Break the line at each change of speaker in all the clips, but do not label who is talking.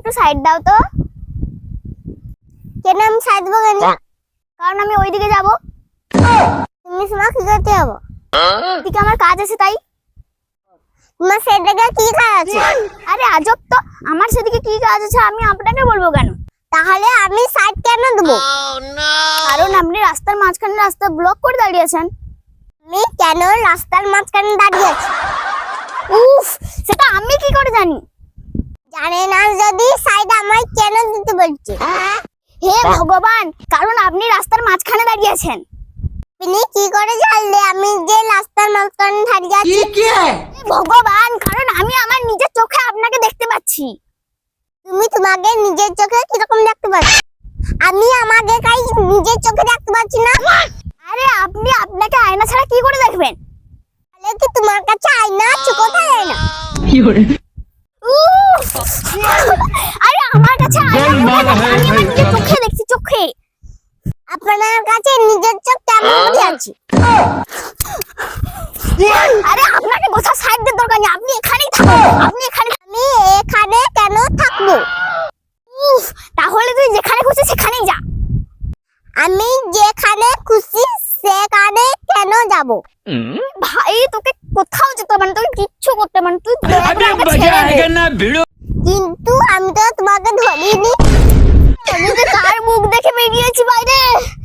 একটু সাইড দাও তো। কেন আমি সাইড দেবো কেন? কারণ আমি ওইদিকে যাব। তুমি সময় কি করতে যাবো? ঠিক আমার কাজ আছে তাই। তোমার সেদিকে কি কাজ আছে? আরে আজব তো, আমার সেদিকে কি কাজ আছে আমি আপনাকে বলবো কেন? তাহলে আমি সাইড কেন দেবো? কারণ আপনি রাস্তার মাঝখানে রাস্তা ব্লক করে দাঁড়িয়ে আছেন। আমি কেন রাস্তার মাঝখানে দাঁড়িয়ে আছি? উফ, সেটা আমি কি করে জানি? জানে না যদি সাইড আমায় কেন দিতে বলছে? হে ভগবান, কারণ আপনি রাস্তার মাঝখানে দাঁড়িয়ে আছেন। আপনি কি করে জানলে আমি যে রাস্তার মাঝখানে দাঁড়িয়ে আছি? ভগবান, কারণ আমি আমার নিজের চোখে আপনাকে দেখতে পাচ্ছি। তুমি তোমাকে নিজের চোখে কিরকম দেখতে পাচ্ছ? আমি আমাকে কাই নিজের চোখে দেখতে পাচ্ছি না। আরে আপনি আপনাকে আয়না ছাড়া কি করে দেখবেন? তাহলে কি তোমার কাছে আয়না আছে? কোথায় আয়না? আরে আমার কাছে আয়না কোথায়? আমি আমার নিজের চোখে দেখছি, চোখে। আপনার কাছে নিজের চোখ কেমন করে আছে? আরে আপনাকে কোথাও সাইড দেওয়ার দরকার নেই, আপনি এখানেই থাকুন। আপনি এখানে। আমি এখানে কেন থাকবো? তাহলে তুই যেখানে খুশি সেখানেই যা। আমি যেখানে খুশি সেখানে কেন যাব? ভাই তোকে কোথাও যেতে মানে তোকে কিচ্ছু করতে মানে তুই কিন্তু আমি তো তোমাকে ধরিনি। আমি তো কার মুখ দেখে বেরিয়েছি বাইরে।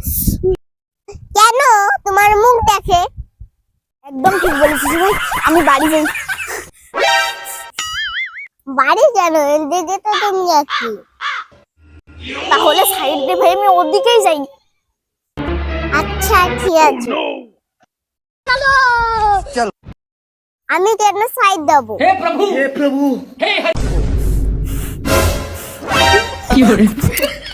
কেন তোমার মুখ দেখে? একদম ঠিক বলেছিস ভাই, আমি বাড়ি যাই। বাড়ি কেন? এদিকে তো তুমি যাচ্ছি। তাহলে সাইড দে ভাই, আমি ওদিকেই যাই। আচ্ছা ঠিক আছে, চলো। আমি কেন সাইড দেবো?
हे प्रभु
हे प्रभु
हे हरि
কি হরে